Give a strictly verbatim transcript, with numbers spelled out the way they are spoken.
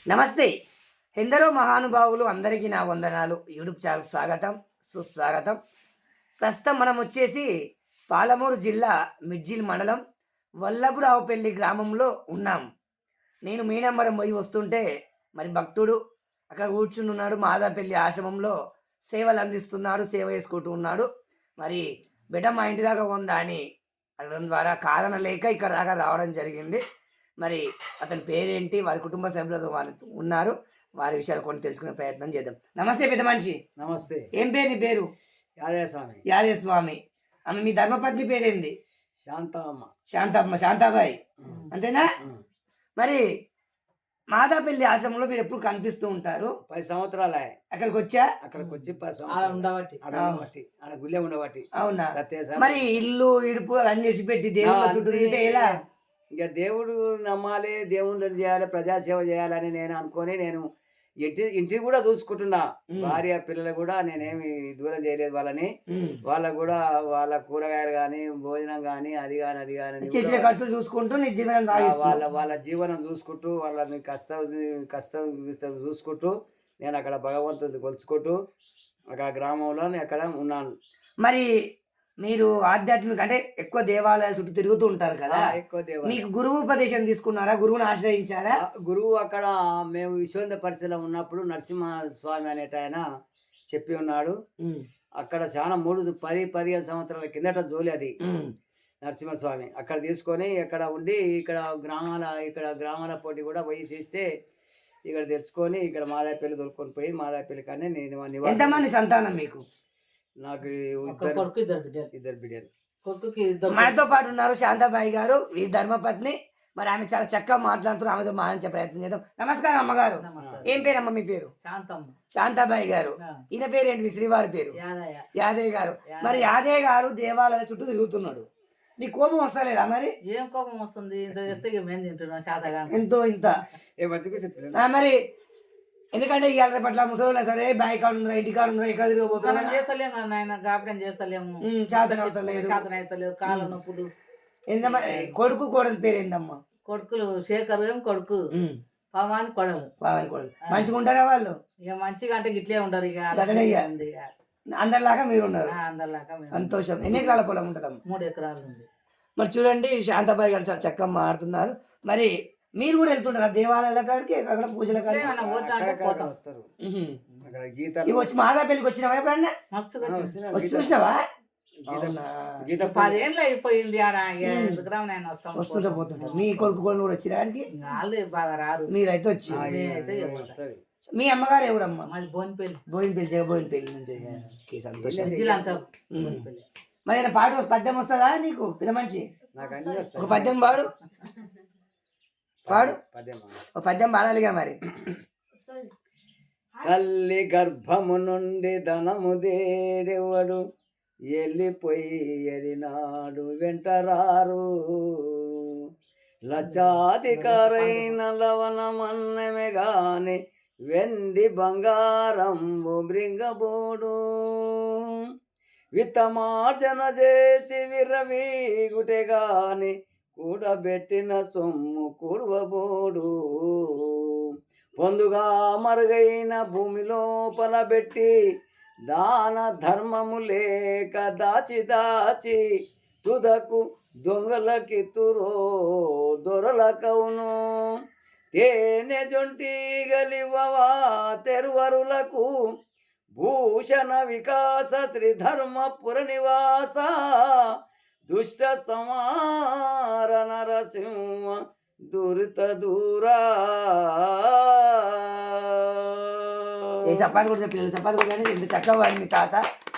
నమస్తే. ఎందరో మహానుభావులు అందరికీ నా వందనాలు. యూట్యూబ్ ఛానల్ స్వాగతం, సుస్వాగతం. ప్రస్తుతం మనం వచ్చేసి పాలమూరు జిల్లా మిడ్జిల్ మండలం వల్లభరావుపల్లి గ్రామంలో ఉన్నాం. నేను మీనంబరం పోయి వస్తుంటే మరి భక్తుడు అక్కడ కూర్చుని ఉన్నాడు. మాదాపల్లి ఆశ్రమంలో సేవలు అందిస్తున్నాడు, సేవ చేసుకుంటూ ఉన్నాడు. మరి బిడ్డ మా ఇంటి దాకా ఉందా అని అడగడం ద్వారా కారణం లేక ఇక్కడ దాకా రావడం జరిగింది. మరి అతని పేరేంటి, వారి కుటుంబ సభ్యులతో వాళ్ళు ఉన్నారు, వారి విషయాలు కొన్ని తెలుసుకునే ప్రయత్నం చేద్దాం. నమస్తే పెద్ద మనిషి. నమస్తే. ఏం పేరు నీ పేరు? యాదయ్య స్వామి. యాదయ్య స్వామి. ఆమె మీ ధర్మపత్ని పేరేంది? శాంతమ్మ. శాంతమ్మ, శాంతాబాయి అంతేనా? మరి మాదాపల్లి ఆశ్రమంలో మీరు ఎప్పుడు కనిపిస్తూ ఉంటారు? పది సంవత్సరాలే అక్కడికి వచ్చా. అక్కడికి వచ్చి పది ఆడ సంవత్సరాలు ఉండబట్టి ఉండబట్టి ఆడ గుళ్ళే ఉండబట్టి. అవునా? సత్య మరి ఇల్లు ఇడుపు అన్ని విడిచిపెట్టి దేవుళ్ళ చుట్టూ తిరిగితే ఎలా? ఇక దేవుడు నమ్మాలి, దేవుడిని చేయాలి, ప్రజాసేవ చేయాలని నేను అనుకొని నేను ఇంటి ఇంటికి కూడా చూసుకుంటున్నా. భార్య పిల్లలు కూడా నేనేమి దూరం చేయలేదు వాళ్ళని. వాళ్ళకు కూడా వాళ్ళ కూరగాయలు కానీ భోజనం కానీ అది కానీ అది కానీ చేసిన ఖర్చులు చూసుకుంటూ నీ జీవనం సాగిస్తున్నావు. వాళ్ళ వాళ్ళ జీవనం చూసుకుంటూ వాళ్ళని కష్టం కష్టం చూసుకుంటూ నేను అక్కడ భగవంతుని కొలుచుకుంటూ అక్కడ గ్రామంలో నేను అక్కడ ఉన్నాను. మరి మీరు ఆధ్యాత్మిక అంటే ఎక్కువ దేవాలయాల చుట్టూ తిరుగుతూ ఉంటారు కదా, ఎక్కువ దేవాలయం. మీకు గురువు ఉపదేశం తీసుకున్నారా? గురువుని ఆశ్రయించారా? గురువు అక్కడ మేము విశ్వేంద్ర పరిచయలో ఉన్నప్పుడు నరసింహస్వామి అనేట ఆయన చెప్పి ఉన్నాడు. అక్కడ చాలా మూడు పది పదిహేను సంవత్సరాల కిందట జోలి అది నరసింహస్వామి. అక్కడ తీసుకొని ఇక్కడ ఉండి ఇక్కడ గ్రామాల ఇక్కడ గ్రామాల పోటీ కూడా పోయి చేస్తే ఇక్కడ తెచ్చుకొని ఇక్కడ మాదాపల్లి దొరుకుని పోయి మాదాపల్లి కానీ నేను. ఎంతమంది సంతానం మీకు? నాకు కొడుకు ఇద్దరు బిడ్డలు. ఇద్దరు బిడ్డలు. కొడుకుకి ఇద్దరు. మనతో పాటు ఉన్నారు శాంతాబాయి గారు, ఈ ధర్మపత్ని. మరి ఆమె చాలా చక్కగా మాట్లాడుతున్నారు, ఆమెతో మాట్లాడే ప్రయత్నం చేద్దాం. నమస్కారం అమ్మగారు. ఏం పేరు అమ్మ మీ పేరు? శాంతమ్మ. శాంతాబాయి గారు. ఈయన పేరు ఏంటి? మీ శ్రీవారి పేరు? యాదయ్య. యాదయ్య గారు. మరి యాదయ్య గారు దేవాలయాల చుట్టూ తిరుగుతున్నాడు. నీ కోపం వస్తలేదా? మరి ఏం కోపం వస్తుంది? ఇంత చేస్తే ఇక మేము తింటున్నాం శాతగా ఎంతో ఇంత. మరి ఎందుకంటే ఇవాళ పట్ల ముసలి సరే బాయ్ కాడు ఉందా, ఇంటి కాడు ఉందా, ఎక్కడ తిరగబోతున్నా చేస్తలేము నాయన, గాపిటం చేస్తలేము, చేతన అవుతలేదు, చేతన అవుతలేదు, కాళ్ళ నొప్పులు. ఏందమ్మా కొడుకు కోడలు పేరు ఏందమ్మా? కొడుకులు శేఖర్ ఏం కొడుకు, పవాని కొడలు. పవాని కొడలు మంచిగా ఉంటారా వాళ్ళు? ఇక మంచిగా అంటే ఇట్లే ఉంటారు. ఇక అందరిలాగా మీరు ఉన్నారు. అందరిలాగా సంతోషం. ఎన్ని ఎకరాల పొలం ఉంటుందమ్మా? మూడు ఎకరాలు ఉంది. మరి చూడండి శాంతాబాయి గారు చాలా చక్కగా మాట్లాడుతున్నారు. మరి మీరు కూడా వెళ్తుంటారా దేవాలయాల కాడికి, అక్కడ పూజల కాడికి? వచ్చి మాదాపల్లికి వచ్చినావా ఎప్పుడన్నా? వచ్చి చూసినావా? పదేళ్ళు అయిపోయింది. వస్తుంటా పోతుంటారు. మీ కొడుకు కొడుకు కూడా వచ్చినానికి వాళ్ళు బాగా రారు. మీరైతే వచ్చి. మీ అమ్మగారు ఎవరమ్మా? మాది బోయినపల్లి. బోయినపల్లి జగ బోయినపల్లి నుంచి. సంతోషం. మరి ఏమైనా పాట పద్యం వస్తుందా నీకు పెద్ద మనిషి? ఒక పద్యం పాడు పాడు ఒక పద్యం పాడాలిగా మరి. తల్లి గర్భము నుండి ధనము దేడెవడు, వెళ్ళిపోయి ఎరినాడు వెంటరారు, లక్షాధికారైన లవణమన్నమే గాని వెండి బంగారంబు బృంగబోడు, విత్తమార్జన చేసి విర్రవీగుటే గాని కూడబెట్టిన సొమ్ము కూడబోడు, పొందుగా మరుగైన భూమి లోపల పెట్టి దాన ధర్మము లేక దాచి దాచి తుదకు దొంగలకి తురో దొరలకవును, తేనె జొంటి గలివవా తెరువరులకు భూషణ వికాస శ్రీధర్మపుర నివాస, దుష్ట సమార నరసింహ దురిత దూరా. సపాటు కూడా పిల్లలు సపాటు కూడా ఎంత చక్కగా వాడి మీ తాత.